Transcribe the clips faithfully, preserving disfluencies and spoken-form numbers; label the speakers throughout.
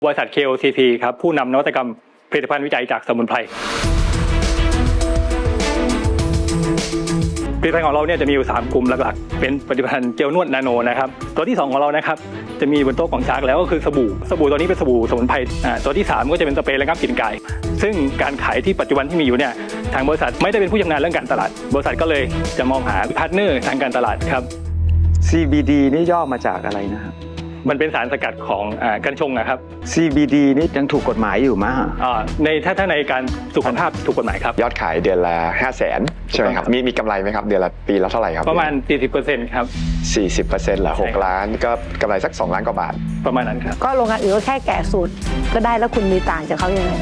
Speaker 1: บริษัท เค โอ ซี พี ครับผู้นำนวัตกรรมผลิตภัณฑ์วิจัยจากสมุนไพรผลิตภัณฑ์ของเราเนี่ยจะมีอยู่สามกลุ่มหลักๆเป็นผลิตภัณฑ์เจลนวดนาโนนะครับตัวที่สองของเรานะครับจะมีบนโต๊ะของชาร์กแล้วก็คือสบู่สบู่ตัวนี้เป็นสบู่สมุนไพรอ่าตัวที่สามก็จะเป็นสเปรย์ระงับกลิ่นกายซึ่งการขายที่ปัจจุบันที่มีอยู่เนี่ยทางบริษัทไม่ได้เป็นผู้ชำนาญเรื่องการตลาดบริษัทก็เลยจะมองหาพาร์ทเนอร์ทางการตลาดครับ
Speaker 2: ซี บี ดี นี่ย่อมาจากอะไรนะครับ
Speaker 1: มันเป็นสารสกัดของอ่ากัญชงนะครับ
Speaker 2: ซี บี ดี นี่ยังถูกกฎหมายอยู่มั้ย
Speaker 1: อ่าในถ้าถ้าในการสุขภาพถูกกฎหมายครับ
Speaker 3: ยอดขายเดือนละห้าแสนใช่ไหมครับมีมีกำไรไหมครับเดือนละปีละเท่าไหร่ครับ
Speaker 1: ประมาณ สี่สิบเปอร์เซ็นต์ ครับ
Speaker 3: สี่สิบเปอร์เซ็นต์เหรอหก
Speaker 1: ใช่
Speaker 3: ล้านก็กำไรสักสองล้านกว่าบาท
Speaker 1: ประมาณนั้นครับ
Speaker 4: ก็โรงงานอื่นก็แค่แกะสูตรก็ได้แล้วคุณมีต่างจากเขายังไง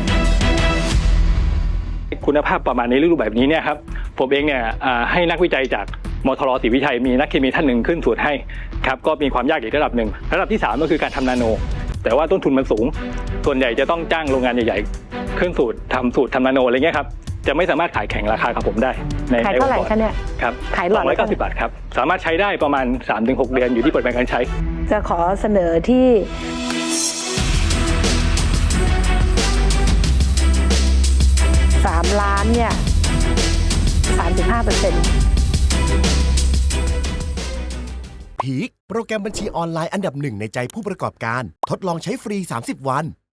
Speaker 1: คุณภาพประมาณในรูปแบบนี้เนี่ยครับผมเองเนี่ยอ่าให้นักวิจัยจากมทรศรีวิชัยมีนักเคมีท่านหนึ่งขึ้นสูตรให้ครับก็มีความยากอีกระดับหนึ่งระดับที่สามก็คือการทำนาโนแต่ว่าต้นทุนมันสูงส่วนใหญ่จะต้องจ้างโรงงานใหญ่ๆเครื่องสูตรทำสูตรทำนาโนอะไรเงี้ยครับจะไม่สามารถขายแข่งราคากับผมได้ใน
Speaker 4: ขายเท่าไหร่คะเนี่ย
Speaker 1: ครับ
Speaker 4: ขายหลอด
Speaker 1: สองร้อยเก้าสิบบาทครับสามารถใช้ได้ประมาณ สามถึงหก เดือนอยู่ที่ปริมาณการใช้
Speaker 4: จะขอเสนอที่สามล้านเนี่ยสามสิบห้าเปอร์เซ็นต์
Speaker 5: พีคโปรแกรมบัญชีออนไลน์อันดับหนึ่งในใจผู้ประกอบการทดลองใช้ฟรีสามสิบวัน